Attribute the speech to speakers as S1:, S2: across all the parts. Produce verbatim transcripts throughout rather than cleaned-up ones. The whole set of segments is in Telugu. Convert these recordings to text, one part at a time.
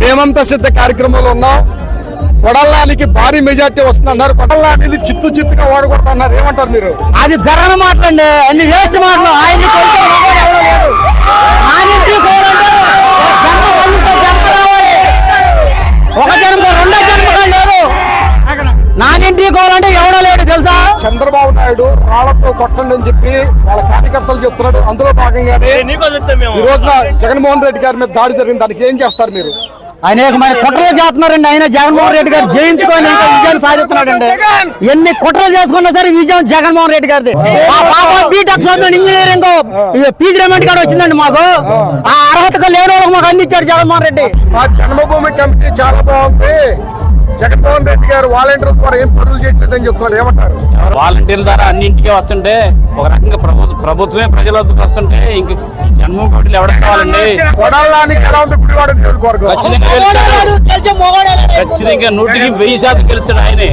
S1: హేమంత సిద్ధ కార్యక్రమంలో ఉన్నాం. కొడల్లానికి భారీ మెజార్టీ వస్తుందన్నారు. కొడల్లాని చిత్తు చిత్తుగా ఓడగొడుతున్నారు. ఏమంటారు మీరు?
S2: అది జరగని మాటలండి, అన్ని వేస్ట్ మాటలు. ఆయన ఒక జన్మ రెండో జన్మగా లేరు. నానింటికి కోవాలంటే ఎవడో లేడు తెలుసా.
S1: చంద్రబాబు నాయుడు రాళ్లతో కొట్టండి అని చెప్పి వాళ్ళ కార్యకర్తలు చెప్తున్నాడు. అందులో భాగంగానే ఈ రోజున జగన్మోహన్ రెడ్డి గారి మీద దాడి జరిగింది. దానికి ఏం చేస్తారు మీరు?
S2: అనేక మంది కుట్రలు చేస్తున్నారండి. ఆయన జగన్మోహన్ రెడ్డి గారు జయించుకొని ఇంకా విజయాన్ని సాధిస్తున్నాడండి. ఎన్ని కుట్రలు చేసుకున్నా సరే విజయం జగన్మోహన్ రెడ్డి గారిది. బీటెక్ ఇంజనీరింగ్ పీజీ రెమెంట్ కార్డు వచ్చిందండి మాకు. ఆ అర్హతగా లేని వాళ్ళకి మాకు అందించాడు జగన్మోహన్ రెడ్డి.
S1: మా జన్మభూమి కమిటీ చాలా బాగుంది. జగన్మోహన్ రెడ్డి గారు వాలంటీర్ల ద్వారా ఏం పనులు చేయట్లేదని చెప్తున్నాడు. ఏమంటారు?
S3: వాలంటీర్ల ద్వారా అన్నింటికి వస్తుంటే ఒక రకంగా ప్రభుత్వ ప్రభుత్వమే ప్రజల వద్దకు వస్తుంటే ఇంక జన్మభూమి కమిటీలు ఎవరికి కావాలండి?
S1: కొడాలానికి ఎలా ఉంది గుడివాడ నియోజకవర్గం?
S3: ఖచ్చితంగా నూటికి వెయ్యి శాతం గెలుస్తాడు ఆయనే.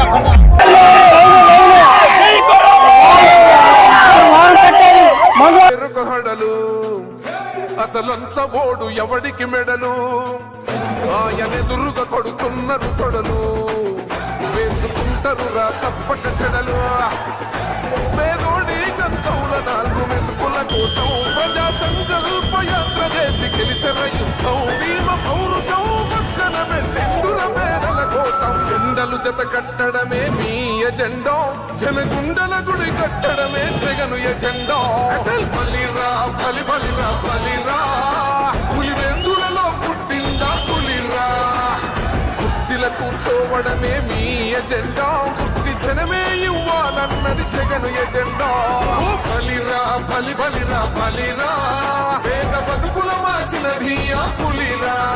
S4: అసలంచబోడు ఎవడికి మెడలు ఆయనెదురుగా కొడుతున్నారు తొడలు వేసుకుంటారు రా తప్పక చెడలు. పేదోడి కంచౌల నాలుగు మెతుకుల కోసం ప్రజా సంకల్ప యాత్ర చేసి గెలిసిన యుద్ధం సీమ పౌరుషం పక్కన పెట్టెండుర మేడల కోసం జెండలు జత కట్టడమే మీ ఎజెండా, జనగుండల గుడి కట్టడమే జగను ఎజెండా. బలిరా బలి బలిరా బలిరా పులివెందులలో పుట్టిందా పులిరా. కుర్చీల కూర్చోవడమే మీ ఎజెండా, కుర్చీ జనమే ఇవ్వాలన్నది జగను ఎజెండా. బలిరా బలి బలిరా బలిరా పేద బతుకుల మార్చినది ఆ పులిరా.